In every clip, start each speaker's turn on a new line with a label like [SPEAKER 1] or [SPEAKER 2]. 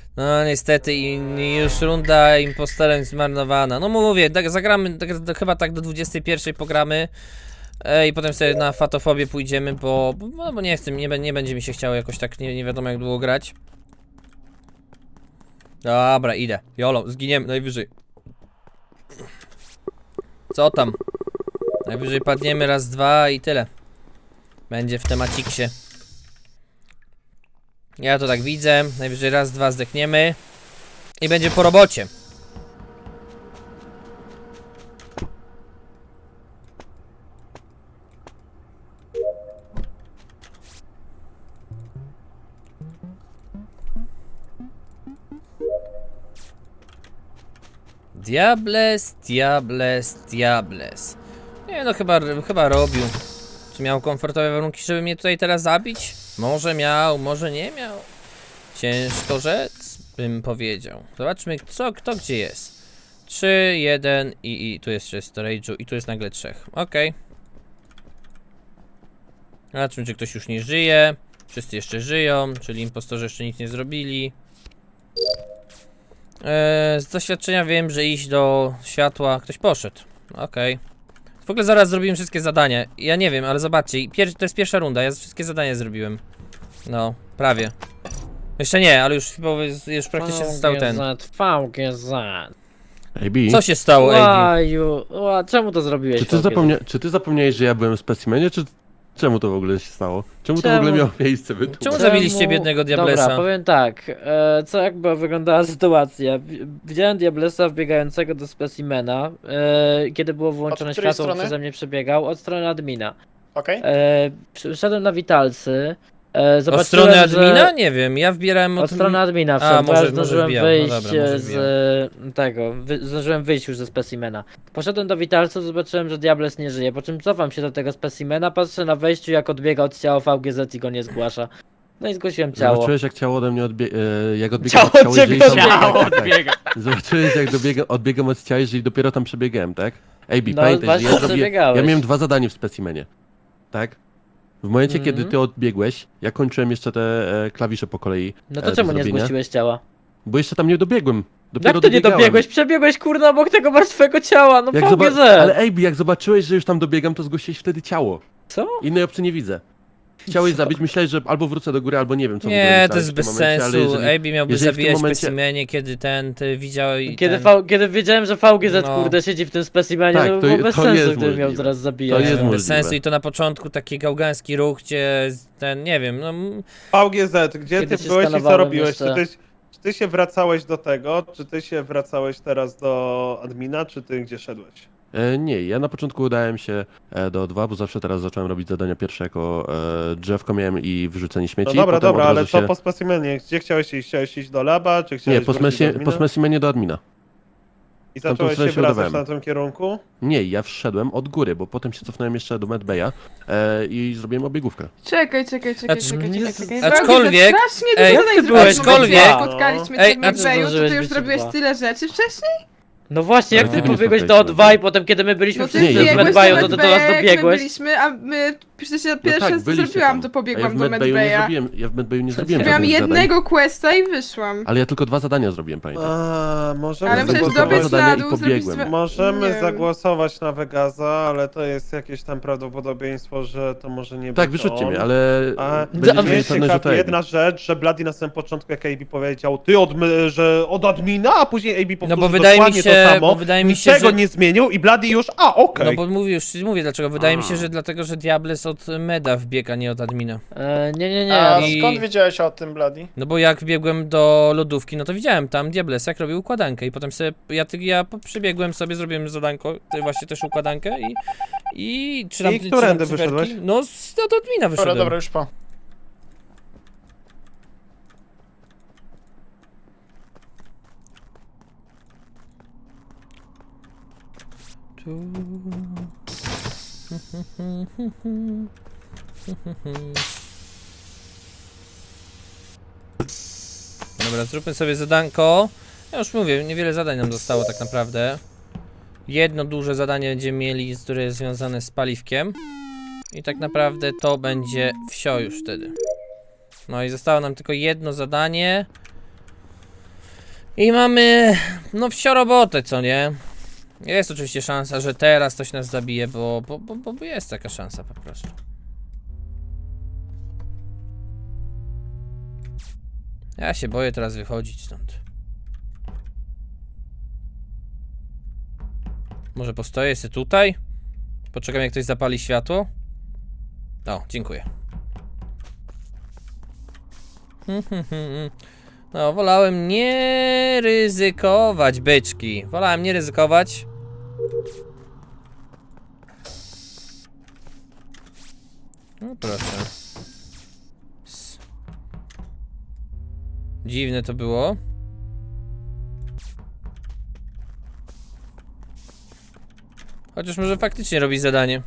[SPEAKER 1] No niestety i już runda impostorem zmarnowana. No mówię, zagramy chyba tak do 21 pogramy. I potem sobie na fatofobię pójdziemy, bo nie chcę, nie będzie mi się chciało jakoś tak nie wiadomo jak długo grać. Dobra, idę. Jolo, zginiemy najwyżej. Co tam? Najwyżej padniemy raz, dwa i tyle. Będzie w temaciksie. Ja to tak widzę. Najwyżej raz, dwa zdechniemy. I będzie po robocie. Diables, diables, diables. Nie no, chyba robił. Czy miał komfortowe warunki, żeby mnie tutaj teraz zabić? Może miał, może nie miał. Ciężko rzec, bym powiedział. Zobaczmy, kto gdzie jest. 3, 1 i tu jest 6 storage'u i tu jest nagle 3. Okej. Zobaczmy, czy ktoś już nie żyje. Wszyscy jeszcze żyją, czyli impostorzy jeszcze nic nie zrobili. Z doświadczenia wiem, że iść do światła ktoś poszedł. Okej. W ogóle zaraz zrobiłem wszystkie zadania. Ja nie wiem, ale zobaczcie, to jest pierwsza runda, ja wszystkie zadania zrobiłem. No, prawie. Jeszcze nie, ale już praktycznie został ten.
[SPEAKER 2] VGZ.
[SPEAKER 3] AB,
[SPEAKER 1] Co się stało, AB?
[SPEAKER 2] Łaju, czemu to zrobiłeś?
[SPEAKER 3] czy ty zapomniałeś, że ja byłem w specimenie, czy czemu to w ogóle się stało? Czemu to w ogóle miało miejsce?
[SPEAKER 1] Czemu zabiliście biednego Diablesa?
[SPEAKER 2] Dobra, powiem tak, co jakby wyglądała sytuacja. Widziałem Diablesa wbiegającego do specimena, kiedy było wyłączone
[SPEAKER 4] Od której
[SPEAKER 2] światło,
[SPEAKER 4] strony?
[SPEAKER 2] przeze mnie przebiegał, od strony admina.
[SPEAKER 4] Okej.
[SPEAKER 2] Wszedłem na witalcy,
[SPEAKER 1] Od
[SPEAKER 2] zobaczyłem,
[SPEAKER 1] strony admina?
[SPEAKER 2] że...
[SPEAKER 1] Nie wiem, ja wbierałem
[SPEAKER 2] Od strony admina
[SPEAKER 1] A,
[SPEAKER 2] wszedłem, bo ja
[SPEAKER 1] może
[SPEAKER 2] zdążyłem
[SPEAKER 1] wbijał, no
[SPEAKER 2] wyjść
[SPEAKER 1] dobra, może
[SPEAKER 2] z tego, zdążyłem wyjść już ze specimena. Poszedłem do witalców, zobaczyłem, że Diables nie żyje, po czym cofam się do tego specimena, patrzę na wejściu jak odbiega od ciała VGZ i go nie zgłasza. No i zgłosiłem ciało.
[SPEAKER 3] Zobaczyłeś, jak ciało ode mnie jak odbiegam
[SPEAKER 2] Ciało
[SPEAKER 3] od ciała,
[SPEAKER 2] ciebie
[SPEAKER 3] jeżeli
[SPEAKER 2] odbiega.
[SPEAKER 4] odbiega.
[SPEAKER 3] Zobaczyłeś, jak odbiegam od ciała, jeżeli dopiero tam przebiegałem, tak? AB,
[SPEAKER 2] No,
[SPEAKER 3] pamiętaj, że
[SPEAKER 2] właśnie
[SPEAKER 3] ja
[SPEAKER 2] przebiegałeś.
[SPEAKER 3] miałem 2 zadania w specimenie, tak? W momencie,
[SPEAKER 2] Mhm.
[SPEAKER 3] kiedy ty odbiegłeś, ja kończyłem jeszcze te klawisze po kolei.
[SPEAKER 2] No to
[SPEAKER 3] do
[SPEAKER 2] czemu nie
[SPEAKER 3] zrobienia,
[SPEAKER 2] zgłosiłeś ciała?
[SPEAKER 3] Bo jeszcze tam nie dobiegłem. Dopiero
[SPEAKER 2] Jak to nie
[SPEAKER 3] dobiegałem.
[SPEAKER 2] dobiegłeś? Przebiegłeś kurna obok tego martwego ciała, no VGZ!
[SPEAKER 3] Ale AB, jak zobaczyłeś, że już tam dobiegam, to zgłosiłeś wtedy ciało.
[SPEAKER 2] Co?
[SPEAKER 3] Innej opcji nie widzę. Chciałeś zabić, myślałeś, że albo wrócę do góry, albo nie wiem co w ogóle
[SPEAKER 1] Nie,
[SPEAKER 3] myślałeś
[SPEAKER 1] to jest
[SPEAKER 3] w tym
[SPEAKER 1] bez
[SPEAKER 3] momencie, ale
[SPEAKER 1] sensu.
[SPEAKER 3] jeżeli-
[SPEAKER 1] AB miałby
[SPEAKER 3] jeżeli w tym
[SPEAKER 1] zabijać w
[SPEAKER 3] momencie-
[SPEAKER 1] specimenie, kiedy ty widział i
[SPEAKER 2] Kiedy wiedziałem, że VGZ
[SPEAKER 1] No.
[SPEAKER 2] kurde siedzi w tym specimenie,
[SPEAKER 3] Tak,
[SPEAKER 2] to by
[SPEAKER 3] to
[SPEAKER 2] było
[SPEAKER 3] je-
[SPEAKER 2] bez
[SPEAKER 3] to
[SPEAKER 2] sensu,
[SPEAKER 3] jest
[SPEAKER 2] gdybym miał
[SPEAKER 3] możliwe.
[SPEAKER 2] zaraz zabijać.
[SPEAKER 3] To jest
[SPEAKER 1] bez
[SPEAKER 3] możliwe.
[SPEAKER 1] sensu i to na początku taki gałgański ruch, gdzie ten, nie wiem, no
[SPEAKER 5] VGZ, gdzie
[SPEAKER 2] Kiedy
[SPEAKER 5] ty
[SPEAKER 2] się
[SPEAKER 5] byłeś i co
[SPEAKER 2] skanowałem
[SPEAKER 5] robiłeś?
[SPEAKER 2] jeszcze.
[SPEAKER 5] Czy ty się wracałeś do tego, czy ty się wracałeś teraz do admina, czy ty gdzie szedłeś?
[SPEAKER 3] Nie, ja na początku udałem się do 2, bo zawsze teraz zacząłem robić zadania pierwsze jako drzewko miałem i wyrzucenie śmieci.
[SPEAKER 5] No dobra,
[SPEAKER 3] potem
[SPEAKER 5] dobra,
[SPEAKER 3] od
[SPEAKER 5] ale
[SPEAKER 3] razu
[SPEAKER 5] co
[SPEAKER 3] się...
[SPEAKER 5] po specimenie? Gdzie chciałeś iść? Chciałeś iść do laba, czy chciałeś
[SPEAKER 3] Nie, po,
[SPEAKER 5] wrócić do admina?
[SPEAKER 3] po specimenie do admina.
[SPEAKER 5] I
[SPEAKER 3] tamtą
[SPEAKER 5] zacząłeś
[SPEAKER 3] stronę
[SPEAKER 5] się
[SPEAKER 3] się
[SPEAKER 5] wracać
[SPEAKER 3] udawałem.
[SPEAKER 5] na tym kierunku?
[SPEAKER 3] Nie, ja wszedłem od góry, bo potem się cofnąłem jeszcze do Medbaya i zrobiłem obiegówkę.
[SPEAKER 6] Czekaj.
[SPEAKER 1] Aczkolwiek-
[SPEAKER 6] Strasznie
[SPEAKER 1] ej,
[SPEAKER 6] dużo zadań
[SPEAKER 2] ty byłeś
[SPEAKER 6] zrobiłeś,
[SPEAKER 1] aczkolwiek-
[SPEAKER 6] jak spotkaliśmy
[SPEAKER 1] Ej,
[SPEAKER 6] cię
[SPEAKER 1] a
[SPEAKER 6] w
[SPEAKER 1] czy
[SPEAKER 6] Medbayu, to
[SPEAKER 2] zdążyłeś
[SPEAKER 6] ty już
[SPEAKER 2] być
[SPEAKER 6] zrobiłeś
[SPEAKER 2] dwa?
[SPEAKER 6] tyle rzeczy wcześniej?
[SPEAKER 2] No właśnie, jak
[SPEAKER 3] Ale
[SPEAKER 2] ty
[SPEAKER 3] kiedy mnie
[SPEAKER 2] pobiegłeś do
[SPEAKER 3] spotkaliśmy?
[SPEAKER 2] O2 i potem kiedy my byliśmy
[SPEAKER 6] No ty
[SPEAKER 2] wszyscy
[SPEAKER 3] nie,
[SPEAKER 2] w
[SPEAKER 3] ja
[SPEAKER 6] biegłeś
[SPEAKER 2] Medbayu,
[SPEAKER 6] do
[SPEAKER 2] to ty do nas
[SPEAKER 6] Medbaya, jak my
[SPEAKER 2] dobiegłeś.
[SPEAKER 6] byliśmy, a my przecież ja pierwsze
[SPEAKER 3] tak,
[SPEAKER 6] co
[SPEAKER 3] byliście
[SPEAKER 6] zrobiłam,
[SPEAKER 3] tam.
[SPEAKER 6] to
[SPEAKER 3] A
[SPEAKER 6] pobiegłam
[SPEAKER 3] ja w
[SPEAKER 6] do
[SPEAKER 3] Medbayu nie
[SPEAKER 6] Medbaya.
[SPEAKER 3] zrobiłem, ja w Medbayu nie zrobiłem
[SPEAKER 6] Miałam
[SPEAKER 3] żadnych zadań,
[SPEAKER 6] jednego questa i wyszłam.
[SPEAKER 3] ale ja tylko 2 zadania zrobiłem, pamiętam.
[SPEAKER 5] Możemy
[SPEAKER 6] Ale przecież
[SPEAKER 3] zagłosować.
[SPEAKER 6] dobiec
[SPEAKER 3] Zadanie
[SPEAKER 6] na
[SPEAKER 3] i
[SPEAKER 6] dół,
[SPEAKER 3] pobiegłem.
[SPEAKER 6] zrobić... Nie
[SPEAKER 5] Możemy
[SPEAKER 6] wiem.
[SPEAKER 5] zagłosować na Vegaza, ale to jest jakieś tam prawdopodobieństwo, że to może nie być
[SPEAKER 3] Tak, wyrzućcie
[SPEAKER 5] on.
[SPEAKER 3] mnie, ale
[SPEAKER 5] A
[SPEAKER 3] będziecie
[SPEAKER 2] mnie
[SPEAKER 3] mieli
[SPEAKER 5] mnie
[SPEAKER 3] pewne, że to
[SPEAKER 5] ciekawi
[SPEAKER 3] AB.
[SPEAKER 5] jedna rzecz, że Bloody na samym początku, jak AB powiedział, ty że od admina, a później AB powtórzył
[SPEAKER 1] bo wydaje mi
[SPEAKER 5] dokładnie
[SPEAKER 1] się-
[SPEAKER 5] to samo,
[SPEAKER 1] bo wydaje mi się,
[SPEAKER 5] niczego
[SPEAKER 1] że-
[SPEAKER 5] nie zmienił i Bloody już, okej.
[SPEAKER 1] No bo mówię dlaczego. Wydaje mi się, że dlatego, że Diables od meda wbiega, nie od admina.
[SPEAKER 2] Nie,
[SPEAKER 4] A
[SPEAKER 1] I-
[SPEAKER 4] skąd wiedziałeś o tym, Bloody?
[SPEAKER 1] No bo jak wbiegłem do lodówki, no to widziałem tam Diables jak robił układankę i potem sobie, przybiegłem sobie, zrobiłem zadanko, właśnie też układankę i czy tam
[SPEAKER 5] I którędy
[SPEAKER 1] cyferki?
[SPEAKER 5] wyszedłeś?
[SPEAKER 1] No od admina wyszedłem.
[SPEAKER 4] Dobra, już po.
[SPEAKER 1] Dobra, zróbmy sobie zadanko. Ja już mówię, niewiele zadań nam zostało tak naprawdę. Jedno duże zadanie będziemy mieli, które jest związane z paliwkiem. I tak naprawdę to będzie wsio już wtedy. No i zostało nam tylko jedno zadanie. I mamy, no wsio robotę, co nie? Jest oczywiście szansa, że teraz ktoś nas zabije, bo jest taka szansa po prostu. Ja się boję teraz wychodzić stąd. Może postoję sobie tutaj? Poczekam, jak ktoś zapali światło. O, dziękuję. No, wolałem nie ryzykować, byczki. Wolałem nie ryzykować. No proszę. Dziwne to było. Chociaż może faktycznie robi zadanie.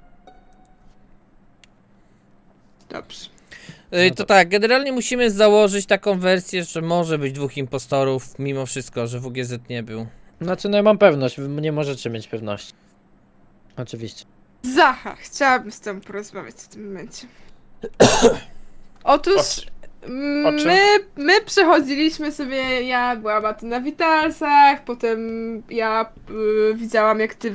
[SPEAKER 6] Dobrze.
[SPEAKER 1] To tak, generalnie musimy założyć taką wersję, że może być 2 impostorów, mimo wszystko, że WGZ nie był.
[SPEAKER 2] Znaczy, no ja mam pewność, wy nie możecie mieć pewności. Oczywiście.
[SPEAKER 6] Zacha, chciałabym z tobą porozmawiać w tym momencie. Otóż
[SPEAKER 4] o czym?
[SPEAKER 6] my przechodziliśmy sobie, ja byłam a ty na Witalsach, potem ja widziałam jak ty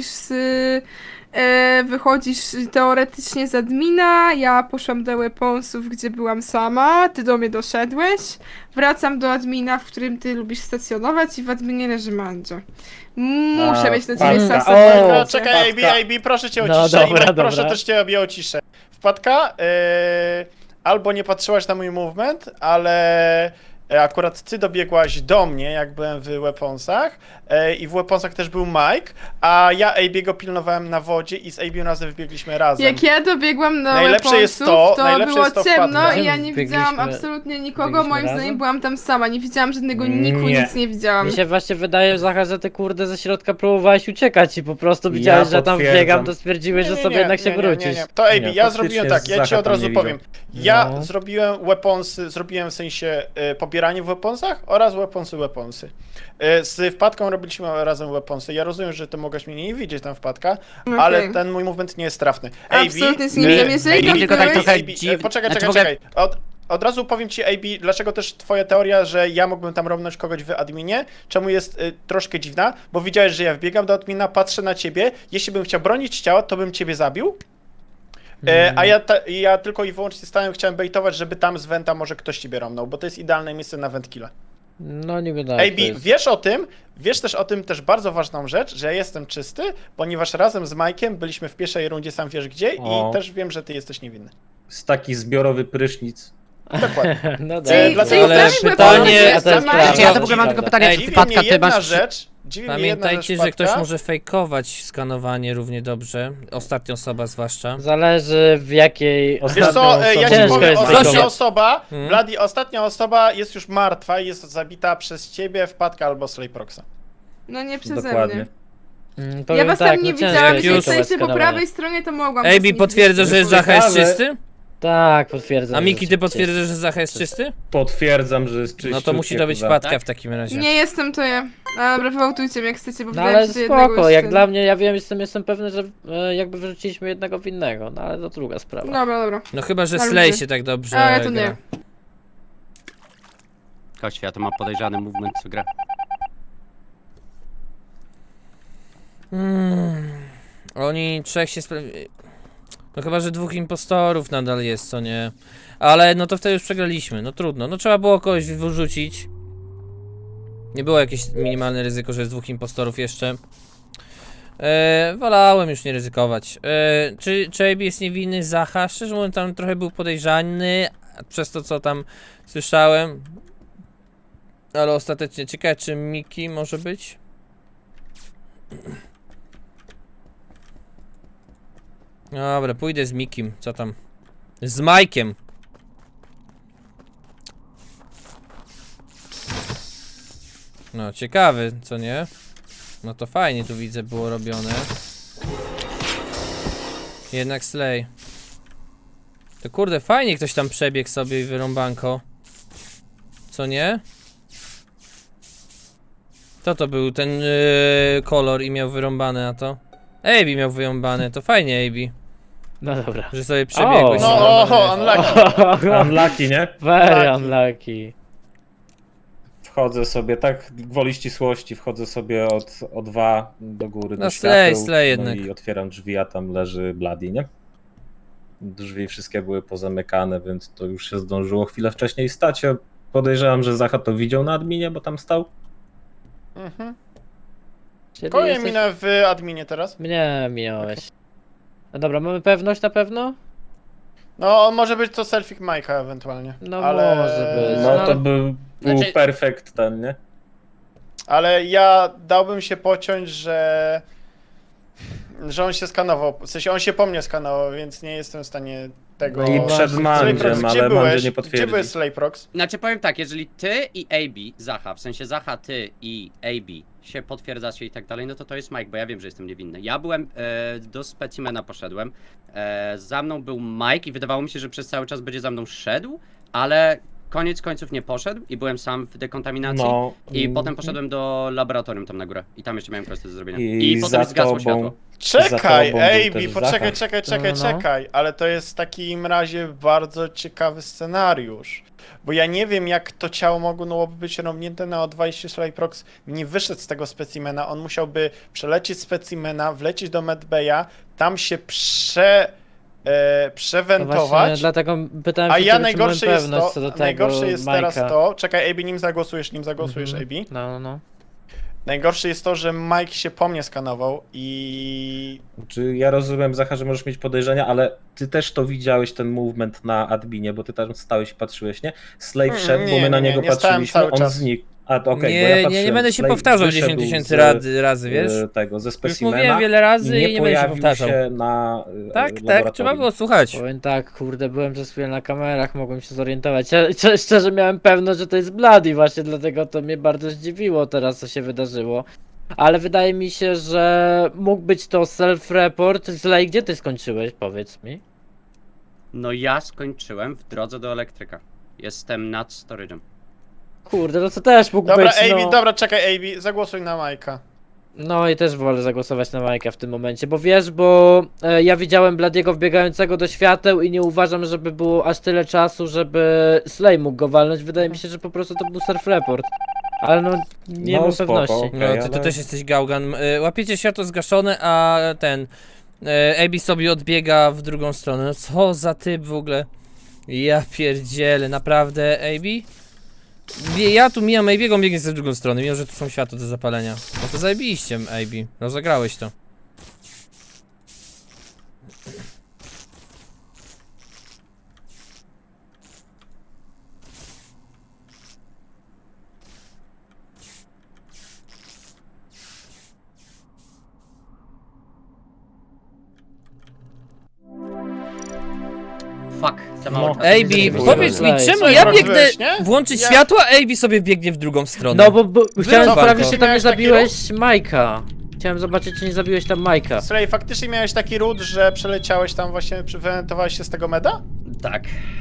[SPEAKER 6] wychodzisz teoretycznie z admina, ja poszłam do weaponsów, gdzie byłam sama, ty do mnie doszedłeś, wracam do admina, w którym ty lubisz stacjonować i w adminie leży Mandzio. Muszę mieć na ciebie
[SPEAKER 2] Patka.
[SPEAKER 6] sasę
[SPEAKER 2] O,
[SPEAKER 6] w
[SPEAKER 4] No,
[SPEAKER 6] końcu.
[SPEAKER 4] czekaj, AB, proszę cię o
[SPEAKER 2] No,
[SPEAKER 4] ciszę.
[SPEAKER 2] dobra,
[SPEAKER 4] I proszę
[SPEAKER 2] dobra.
[SPEAKER 4] też cię o ciszę. Wpadka, albo nie patrzyłaś na mój movement, ale akurat ty dobiegłaś do mnie, jak byłem w weaponsach i w weaponsach też był Mike, a ja AB'ego pilnowałem na wodzie i z AB razem wybiegliśmy razem.
[SPEAKER 6] Jak ja dobiegłam do
[SPEAKER 4] Najlepsze jest
[SPEAKER 6] weaponsów,
[SPEAKER 4] to- najlepsze
[SPEAKER 6] było
[SPEAKER 4] jest to
[SPEAKER 6] ciemno
[SPEAKER 4] wpadka.
[SPEAKER 6] i ja nie
[SPEAKER 2] Biegliśmy-
[SPEAKER 6] widziałam absolutnie nikogo,
[SPEAKER 2] biegliśmy
[SPEAKER 6] moim
[SPEAKER 2] razem?
[SPEAKER 6] zdaniem byłam tam sama, nie widziałam żadnego niku,
[SPEAKER 7] Nie.
[SPEAKER 6] nic nie widziałam.
[SPEAKER 2] Mi się właśnie wydaje, Zacha, że ty kurde ze środka próbowałeś uciekać i po prostu widziałeś, że tam
[SPEAKER 7] potwierdzam.
[SPEAKER 2] wbiegam, to stwierdziłeś, że sobie jednak się wrócisz.
[SPEAKER 4] To AB,
[SPEAKER 7] Nie,
[SPEAKER 4] ja
[SPEAKER 7] faktycznie
[SPEAKER 4] zrobiłem tak, ja ci
[SPEAKER 7] Zacha
[SPEAKER 4] od
[SPEAKER 7] tam
[SPEAKER 4] razu
[SPEAKER 7] nie
[SPEAKER 4] powiem. Ja
[SPEAKER 2] No.
[SPEAKER 4] zrobiłem weaponsy, zrobiłem w sensie pobieranie w weaponsach oraz weaponsy. Z wpadką robiliśmy razem weaponsy. Ja rozumiem, że ty mogłeś mnie nie widzieć tam wpadka,
[SPEAKER 6] Okej.
[SPEAKER 4] ale ten mój movement nie jest trafny.
[SPEAKER 6] Absolutnie z nim nie wiem, jeżeli tam
[SPEAKER 8] tylko tak
[SPEAKER 6] byłeś...
[SPEAKER 8] trochę
[SPEAKER 4] Poczekaj,
[SPEAKER 8] znaczy
[SPEAKER 4] czekaj. Od razu powiem ci, AB, dlaczego też twoja teoria, że ja mógłbym tam robnąć kogoś w adminie, czemu jest troszkę dziwna, bo widziałeś, że ja wbiegam do admina, patrzę na ciebie, jeśli bym chciał bronić ciała, to bym ciebie zabił, a ja tylko i wyłącznie chciałem baitować, żeby tam z Venta może ktoś ciebie romnął, bo to jest idealne miejsce na Ventkilla.
[SPEAKER 2] No niby tak.
[SPEAKER 4] AB, wiesz też o tym też bardzo ważną rzecz, że ja jestem czysty, ponieważ razem z Mike'iem byliśmy w pierwszej rundzie, sam wiesz gdzie,
[SPEAKER 7] O.
[SPEAKER 4] i też wiem, że ty jesteś niewinny.
[SPEAKER 7] Z taki zbiorowy prysznic.
[SPEAKER 4] Dokładnie.
[SPEAKER 2] No
[SPEAKER 6] Czyli,
[SPEAKER 2] dobra.
[SPEAKER 6] czyli
[SPEAKER 1] ale
[SPEAKER 6] z nami
[SPEAKER 1] pytanie-
[SPEAKER 6] były
[SPEAKER 2] a to jest
[SPEAKER 6] sama-
[SPEAKER 2] prawda.
[SPEAKER 8] Znaczy, ja to w ogóle mam tylko pytanie,
[SPEAKER 1] Ej,
[SPEAKER 8] czy
[SPEAKER 4] Dziwi
[SPEAKER 8] wpadka
[SPEAKER 4] mnie
[SPEAKER 8] ty
[SPEAKER 4] jedna
[SPEAKER 8] masz...
[SPEAKER 4] rzecz,
[SPEAKER 1] Pamiętajcie, że ktoś może fejkować skanowanie równie dobrze. Ostatnia osoba zwłaszcza.
[SPEAKER 2] Zależy w jakiej...
[SPEAKER 7] Ostatnio
[SPEAKER 4] Wiesz co, ja ci
[SPEAKER 2] Ciężko
[SPEAKER 4] powiem,
[SPEAKER 2] jest
[SPEAKER 4] ostatnia
[SPEAKER 1] fejkować.
[SPEAKER 4] osoba,
[SPEAKER 1] Hmm?
[SPEAKER 4] Bloody, ostatnia osoba jest już martwa i jest zabita przez ciebie, Wpadka albo Slayproxa.
[SPEAKER 6] No nie przeze
[SPEAKER 7] Dokładnie.
[SPEAKER 6] mnie.
[SPEAKER 2] Mm,
[SPEAKER 6] Ja
[SPEAKER 2] powiem
[SPEAKER 6] was
[SPEAKER 2] tak,
[SPEAKER 6] tam nie
[SPEAKER 2] no ciężko
[SPEAKER 6] widziałam,
[SPEAKER 2] jest
[SPEAKER 6] jeśli
[SPEAKER 1] fejkować
[SPEAKER 6] jesteście po
[SPEAKER 2] skanowanie.
[SPEAKER 6] prawej stronie, to mogłam was
[SPEAKER 1] AB
[SPEAKER 6] nie
[SPEAKER 1] potwierdza, że
[SPEAKER 6] widzieć.
[SPEAKER 1] Zacha jest
[SPEAKER 7] ciekawe.
[SPEAKER 1] czysty?
[SPEAKER 2] Tak, potwierdzam.
[SPEAKER 1] A
[SPEAKER 2] że
[SPEAKER 1] Miki, ty
[SPEAKER 2] rzeczywiście
[SPEAKER 1] potwierdzasz, że Zacha jest czysty?
[SPEAKER 7] Potwierdzam, że jest czyściutkie.
[SPEAKER 1] No to musi to być
[SPEAKER 7] kurwa.
[SPEAKER 1] wpadka w takim razie.
[SPEAKER 6] Nie jestem to ja. A, dobra, wywołtujcie mnie jak chcecie, bo
[SPEAKER 2] No
[SPEAKER 6] wydaje
[SPEAKER 2] ale
[SPEAKER 6] mi się, że jednego
[SPEAKER 2] spoko,
[SPEAKER 6] już
[SPEAKER 2] jak
[SPEAKER 6] ten-
[SPEAKER 2] dla mnie, ja wiem, jestem pewny, że jakby wrzuciliśmy jednego w innego, no ale to druga sprawa.
[SPEAKER 6] Dobra.
[SPEAKER 1] No chyba, że
[SPEAKER 6] Na
[SPEAKER 1] Slay
[SPEAKER 6] ludzie.
[SPEAKER 1] się tak dobrze
[SPEAKER 6] Ale to
[SPEAKER 1] gra.
[SPEAKER 6] nie.
[SPEAKER 8] Chodź, ja to mam podejrzany movement w grę.
[SPEAKER 1] Oni trzech się No chyba, że 2 impostorów nadal jest, co nie? Ale no to wtedy już przegraliśmy, no trudno. No trzeba było kogoś wyrzucić. Nie było jakieś minimalne ryzyko, że jest 2 impostorów jeszcze. Wolałem już nie ryzykować. Czy AB jest niewinny? Zacha? Szczerze mówiąc, tam trochę był podejrzany przez to, co tam słyszałem. Ale ostatecznie ciekawe, czy Miki może być? Dobra, pójdę z Mikim. Co tam? Z Majkiem. No, ciekawy, co nie? No to fajnie tu widzę było robione. Jednak Slay. To kurde, fajnie ktoś tam przebiegł sobie i wyrąbanko. Co nie? Kto to był ten kolor i miał wyrąbane na to? AB miał wyrąbane, to fajnie AB.
[SPEAKER 2] No dobra.
[SPEAKER 1] Że sobie przebiegłeś.
[SPEAKER 4] No
[SPEAKER 1] wyrąbane.
[SPEAKER 4] unlucky.
[SPEAKER 7] Unlucky, nie?
[SPEAKER 2] Very
[SPEAKER 4] Taki.
[SPEAKER 2] unlucky.
[SPEAKER 7] Wchodzę sobie, tak gwoli ścisłości, wchodzę sobie od O2 do góry,
[SPEAKER 1] No
[SPEAKER 7] do
[SPEAKER 1] slay
[SPEAKER 7] świateł,
[SPEAKER 1] jednak.
[SPEAKER 7] no i otwieram drzwi, a tam leży Bloody, nie? Drzwi wszystkie były pozamykane, więc to już się zdążyło chwilę wcześniej stać. Ja podejrzewam, że Zacha to widział na adminie, bo tam stał.
[SPEAKER 4] Mhm.
[SPEAKER 2] Czyli
[SPEAKER 4] Kogo ja
[SPEAKER 2] jesteś...
[SPEAKER 4] minę w adminie teraz?
[SPEAKER 2] Mnie minąłeś. No dobra, mamy pewność na pewno?
[SPEAKER 4] No, on może być to selfie Majka ewentualnie.
[SPEAKER 2] No
[SPEAKER 4] ale...
[SPEAKER 2] może być.
[SPEAKER 7] No to był
[SPEAKER 8] Znaczy-
[SPEAKER 7] perfekt ten, nie?
[SPEAKER 4] Ale ja dałbym się pociąć, że on się skanował. W sensie on się po mnie skanował, więc nie jestem w stanie tego...
[SPEAKER 7] No i przed Mandziem,
[SPEAKER 4] Slayprox,
[SPEAKER 7] ale
[SPEAKER 4] gdzie
[SPEAKER 7] Mandzie
[SPEAKER 4] byłeś?
[SPEAKER 7] nie
[SPEAKER 4] Gdzie
[SPEAKER 7] potwierdzi.
[SPEAKER 4] byłeś, Slayprox?
[SPEAKER 8] Znaczy powiem tak, jeżeli ty i AB, Zacha, w sensie Zacha, ty i AB się potwierdzacie i tak dalej, no to jest Mike, bo ja wiem, że jestem niewinny. Ja byłem, do specimena poszedłem, za mną był Mike i wydawało mi się, że przez cały czas będzie za mną szedł, ale koniec końców nie poszedł i byłem sam w dekontaminacji.
[SPEAKER 7] No.
[SPEAKER 8] I potem poszedłem do laboratorium tam na górę i tam jeszcze miałem kwestię do zrobienia.
[SPEAKER 7] I
[SPEAKER 8] I potem
[SPEAKER 7] za
[SPEAKER 8] zgasło
[SPEAKER 7] tobą-
[SPEAKER 8] światło.
[SPEAKER 4] Czekaj,
[SPEAKER 7] tobą był
[SPEAKER 4] ej,
[SPEAKER 7] też
[SPEAKER 4] poczekaj,
[SPEAKER 7] Zacha.
[SPEAKER 4] czekaj, ale to jest w takim razie bardzo ciekawy scenariusz. Bo ja nie wiem, jak to ciało mogłoby być rąbnięte na O2, jeśli Slayprox nie wyszedł z tego specimena. On musiałby przelecieć specimena, wlecieć do medbaya, tam się
[SPEAKER 2] No
[SPEAKER 4] przewentować.
[SPEAKER 2] właśnie, dlatego pytałem
[SPEAKER 4] A
[SPEAKER 2] się
[SPEAKER 4] ja
[SPEAKER 2] ciebie, czy mamy
[SPEAKER 4] najgorsze jest
[SPEAKER 2] pewność
[SPEAKER 4] to,
[SPEAKER 2] co do tego
[SPEAKER 4] najgorsze jest teraz
[SPEAKER 2] Majka.
[SPEAKER 4] to, czekaj, AB, nim zagłosujesz,
[SPEAKER 2] Mhm.
[SPEAKER 4] AB.
[SPEAKER 2] No.
[SPEAKER 4] Najgorsze jest to, że Mike się po mnie skanował i
[SPEAKER 7] Czy ja rozumiem, Zacha, że możesz mieć podejrzenia, ale ty też to widziałeś, ten movement na adminie, bo ty tam stałeś i patrzyłeś, nie? Slave wszedł, bo
[SPEAKER 4] nie,
[SPEAKER 7] my na
[SPEAKER 4] nie,
[SPEAKER 7] niego
[SPEAKER 4] nie stałem
[SPEAKER 7] patrzyliśmy,
[SPEAKER 4] cały
[SPEAKER 7] on
[SPEAKER 4] czas.
[SPEAKER 7] znikł. A, okej, bo ja
[SPEAKER 1] nie, nie
[SPEAKER 7] patrzyłem,
[SPEAKER 1] będę się
[SPEAKER 7] Slave
[SPEAKER 1] powtarzał
[SPEAKER 7] wyszedł
[SPEAKER 1] 10 tysięcy
[SPEAKER 7] z,
[SPEAKER 1] razy, wiesz?
[SPEAKER 7] Tego, ze
[SPEAKER 1] Już
[SPEAKER 7] specimena
[SPEAKER 1] mówiłem wiele razy i nie będę się
[SPEAKER 7] pojawił
[SPEAKER 1] powtarzał.
[SPEAKER 7] się na
[SPEAKER 1] Tak,
[SPEAKER 7] laboratorium.
[SPEAKER 1] trzeba było słuchać.
[SPEAKER 2] Powiem tak, kurde, byłem przez chwilę na kamerach, mogłem się zorientować. Ja szczerze miałem pewność, że to jest Bloody, właśnie dlatego to mnie bardzo zdziwiło teraz, co się wydarzyło. Ale wydaje mi się, że mógł być to self-report. Zlej, gdzie ty skończyłeś, powiedz mi?
[SPEAKER 8] No ja skończyłem w drodze do elektryka. Jestem nad storage'em.
[SPEAKER 2] Kurde, no to też mógł
[SPEAKER 4] dobra,
[SPEAKER 2] być,
[SPEAKER 4] AB,
[SPEAKER 2] no.
[SPEAKER 4] dobra, czekaj, AB, zagłosuj na Majka.
[SPEAKER 2] No i też wolę zagłosować na Majka w tym momencie, bo wiesz, bo ja widziałem Bladiego wbiegającego do świateł i nie uważam, żeby było aż tyle czasu, żeby Slay mógł go walnąć. Wydaje mi się, że po prostu to był self-report. Ale no, nie
[SPEAKER 7] No,
[SPEAKER 2] mam
[SPEAKER 7] spoko.
[SPEAKER 2] pewności.
[SPEAKER 1] No,
[SPEAKER 7] Okej,
[SPEAKER 1] ty to
[SPEAKER 7] ale-
[SPEAKER 1] też jesteś gałgan. Łapiecie światło zgaszone, a ten... Abi sobie odbiega w drugą stronę. No co za typ w ogóle? Ja pierdzielę, naprawdę, Abi? Ja tu mijam Abiego, on biegnie z drugą strony, mimo że tu są światło do zapalenia. No to zajebiście, Abi. Rozegrałeś to.
[SPEAKER 8] Fuck, za mało
[SPEAKER 7] No.
[SPEAKER 8] czasu.
[SPEAKER 1] Abi,
[SPEAKER 2] Slay.
[SPEAKER 1] powiedz mi, czemu
[SPEAKER 2] Slay.
[SPEAKER 1] ja
[SPEAKER 4] Slay.
[SPEAKER 1] biegnę
[SPEAKER 4] Nie?
[SPEAKER 1] włączyć
[SPEAKER 4] Ja-
[SPEAKER 1] światło, a Abi sobie biegnie w drugą stronę?
[SPEAKER 2] No bo chciałem
[SPEAKER 1] Wycofaj
[SPEAKER 2] sprawdzić,
[SPEAKER 1] go.
[SPEAKER 2] czy tam nie
[SPEAKER 4] Miałeś taki
[SPEAKER 2] zabiłeś Majka. Chciałem zobaczyć, czy nie zabiłeś tam Majka.
[SPEAKER 4] Slay, faktycznie miałeś taki ród, że przeleciałeś tam właśnie, wywentowałeś się z tego meda?
[SPEAKER 8] Tak.